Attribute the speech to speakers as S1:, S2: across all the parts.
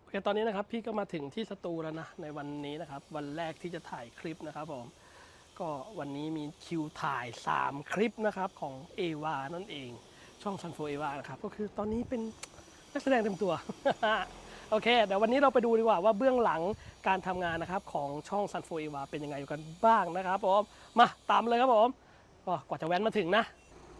S1: เคตอนนี้นะครับพี่ก็มาถึงที่สตูแล้วนะในวันนี้นะครับวันแรกที่จะถ่ายคลิปนะครับผมก็วันนี้มีคิวถ่าย3คลิปนะครับของเอวานั่นเองช่องซันโฟเอวานะครับก็คือตอนนี้เป็นนักแสดงเต็มตัว โอเคเดี๋ยววันนี้เราไปดูดีกว่าว่าเบื้องหลังการทำงานนะครับของช่องซันโฟเอวาเป็นยังไงกันบ้างนะครับผมมาตามเลยครับผมก็กว่าจะแว้นมาถึงนะ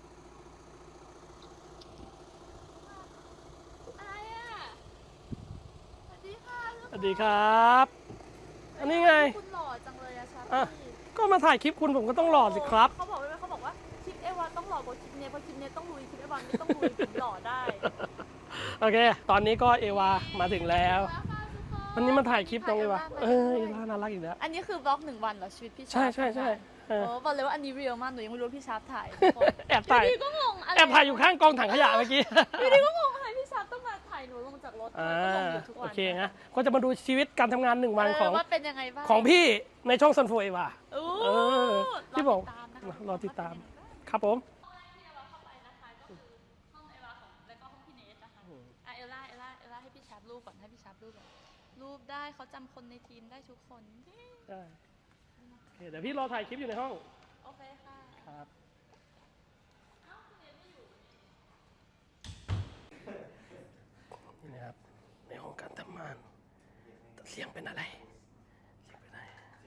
S2: อะไรอ่ะสวัสดีค่ะ
S1: สวัสดีครับอันนี้ไง
S2: คุณหล่อจังเลยอะชา
S1: อ่ะ
S2: พี่
S1: ก็มาถ่ายคลิปคุณผมก็ต้องหล่อสิครับ
S2: เขาบอกไว้ไหมเขาบอกว่าคลิปเอวาต้องหล่อกว่าคลิปเนี้ยเพราะคลิปเนี้ยต้องลุยคลิปเอวาไม่ต้องลุยผมหล่อได้
S1: โอเค ตอนนี้ก็เอวามาถึงแล้ว
S2: ค่ะทุกคน
S1: วันนี้มาถ่ายคลิปน้องเอวา
S2: ถ่าย
S1: เอ
S2: เอวา
S1: อเอวาน่ารักอีกแล้ว
S2: อันนี้คือบล็อก1 วันเหรอชีวิตพี่ชา
S1: ใช่ใช่ใช่เออ
S2: โอ้บอกเลยว่าอันนี้เรียลมากหนูยังไม่รู้ว่าพี่ชาร์ปถ่ายทุกคน
S1: แอบถ่าย
S2: อยู่ดีก็งงอะไร
S1: แอบถ่ายอยู่ข้างกองถังขยะเมื่อกี้
S2: อยู่ดีก็งงอะไรพี่ชาร์ปต้องมาถ่ายหนูลงจากรถ
S1: อ่า
S2: ก็ลงอยู่ทุกวัน
S1: โอเคนะก็จะมาดูชีวิตการทำงาน1 วันของ
S2: ว่าเป็นยังไงบ้าง
S1: ของพี่ในช่องซันโฟเอวา
S2: โอ้
S1: เออที่บอก
S2: รอติดตามนะคะ
S1: รอติดตามครับผม
S2: ห้องแรกที่เอวาเข้าไปนะคะก็คือห้องเอวาของแล้วก็ห้องพี่เนทนะคะเอลล่าให้พี่ชาร์ปรูปก่อนให้พี่ชาร์ปรูปก่อนรูปได้เขาจำคนในทีมได้ทุกคน
S1: ได้โอเคเดี๋ยวพี่รอถ่ายคลิปอยู่ในห้อง
S2: โอเคค่ะ
S1: ครับนี่นะครับในห้องการทำงานแต่เสียงเป็นอะไรเสียงเป็นอะไร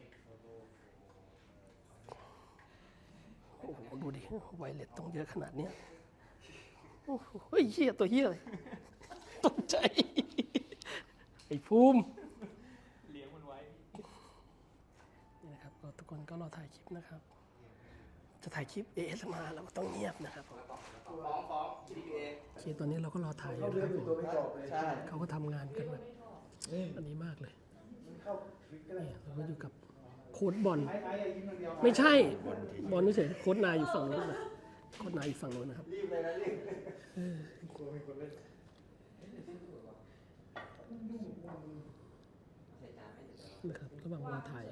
S1: โอ้โหดูดิไวเลสต้องเยอะขนาดเนี้ยโอ้โหเฮ้ยเหี้ยตัวเหี้ยเลยตกใจไอ้ภูมิเลี้ยงมันไว้นี่นะครับทุกคนก็รอถ่ายคลิปนะครับ จะถ่ายคลิป ASMR เราก็ต้องเงียบนะครับผม
S3: ฟ้องGPA
S1: โอเคตอนนี้เราก็รอถ่ายอยู่นะครับผม
S3: ใช่
S1: เขาก็ทำงานกันแบบอันนี้มากเลยเนี่ยเราก็อยู่กับโค้ดบอลไม่ใช่บอลไม่ใช่โค้ดนายอยู่ฝั่งโน้นนะโค้ดนายอยู่ฝั่งโน้นนะครับ
S3: รีบเลยนะรีบ
S1: นะครับระหว่างรอถ่าย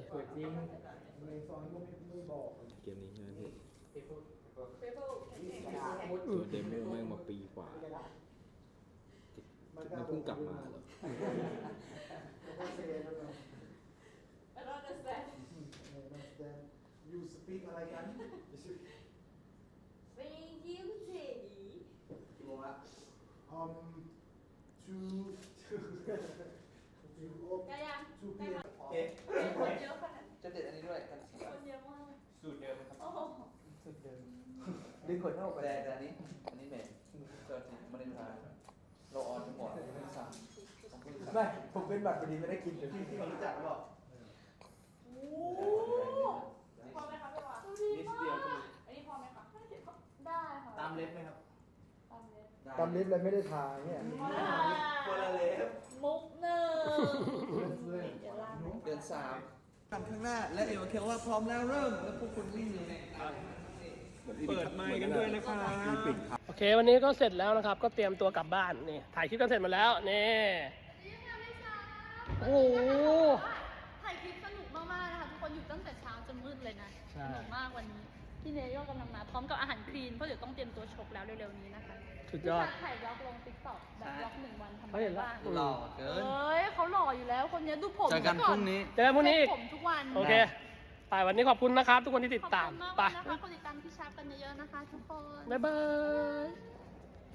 S4: เกมนี้ใช่ไหมพี่ตัวเดโมแม่งมาปีกว่ามันเพิ่งกลับมาเหรอ
S3: ยูสปีกอะไรกันกี่โมงละtwo 2 p.m. โอเคจะเด็ดอันนี้ด้วยกัน
S2: คนเยอะมากเลย
S3: สูตรเดิมครับ
S2: โอ้โห
S3: สูตรเดิมดึงคนเข้าไปแต่อันนี้เมนเกิดมันเป็นทางเราออนทั้งหมดไม่สั่งไม่ผมเป็นบัตรพอดีไม่ได้กินเดี๋ยวพี่เขารู้จักหรือเปล่า
S2: พอไหมคะพี่วะ
S3: นิดเดียว
S2: อันนี้พอไหมคะได้ค่ะ
S3: ตามเล็บไหมครับ
S2: ตามเล็บ
S5: ตำลิฟต์เลยไม่ได้ทาเนี่ย
S3: คนละเล็บ
S2: มุกหนึ่ง
S3: เดือน3ทำข้างหน้าและเอวเคียวว่าพร้อมแล้วเริ่มแล้วพวกคุณวิ่งเลย
S4: เปิดไมค์กันด้วยนะครับ
S1: โอเควันนี้ก็เสร็จแล้วนะครับ ก็เตรียมตัวกลับบ้านนี่ถ่ายคลิปกันเสร็จหมดแล้วนี่โอ้โห
S2: ถ่ายคลิปสนุกมากๆนะคะทุกคนอยู่ตั้งแต่เช้าจนมืดเลยนะ
S1: ใช่
S2: สนุกมากวันนี้พี่เนยก็กำลังมาพร้อมกับอาหารคลีนเพราะเดี๋ยวต้องเตรียมตัวชกแล้วเร็วๆนี้นะคะ
S1: สุดยอด
S2: พี่ชาถ่ายบล็อกลงติ๊กต็อกแบบบล็อก1 วันทำอะ
S1: เขา
S2: ไร
S1: เห็นแล้ว
S2: บ้าง
S3: หล่อเกิน
S2: เอ้ยเขาหล่ออยู่แล้วคนนี้ดูผม
S3: เจอกันพรุ่งนี้
S1: เจอกันพรุ่งนี้อีก
S2: ผมทุกวัน
S1: โอเคไปวันนี้ขอบคุณนะครับ ทุกคนที่ติด
S2: ขอบ
S1: ตาม
S2: คุณมาก
S1: ไป
S2: เลยนะคะคนติดตามพี่ชาร์ปกันเยอะๆนะคะทุกคน
S1: บ๊ายบาย